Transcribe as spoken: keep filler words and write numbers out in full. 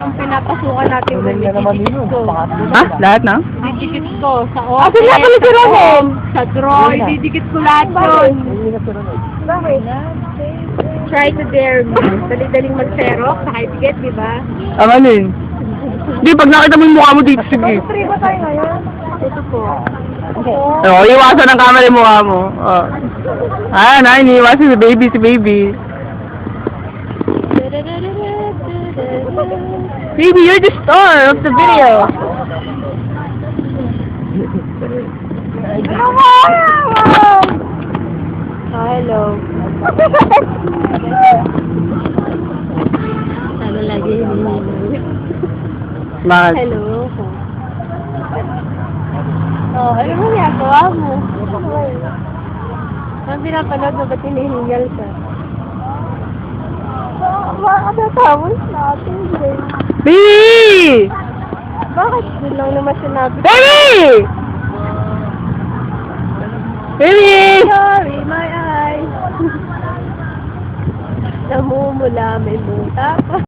Ang pinapasukan natin Tuloy ng na naman didikit yun. ko. Pangatlo Ha? Lahat na? Didikit ko sa Ah, office, sila pala si sa Ronel. home, sa drawer, didikit ko lahat yun. Hindi na si Ronald. Bakit? Try to dare me. Dali-daling mag-xerox, nakaitigit, di ba? Ang ano yun? Hindi, pag nakita mo yung mukha mo dito, sige. Free ba tayo ngayon? Ito po. Oo, oh, iwasan ang camera yung mukha mo. Oh. Ah, na, iniiwasan si baby, si baby. Baby, you're the star of the video. Ah, hello. Ano lagi hinihingi? Bakit? Hello. Oh, ano mo ginagawa mo? Ang pinapanood mo ba't hinihingal ka? Makakatapos natin, Jay. Baby! Bakit? Doon lang naman sinabi. Baby! Baby! Sorry, my eyes. Namumula, may muta pa.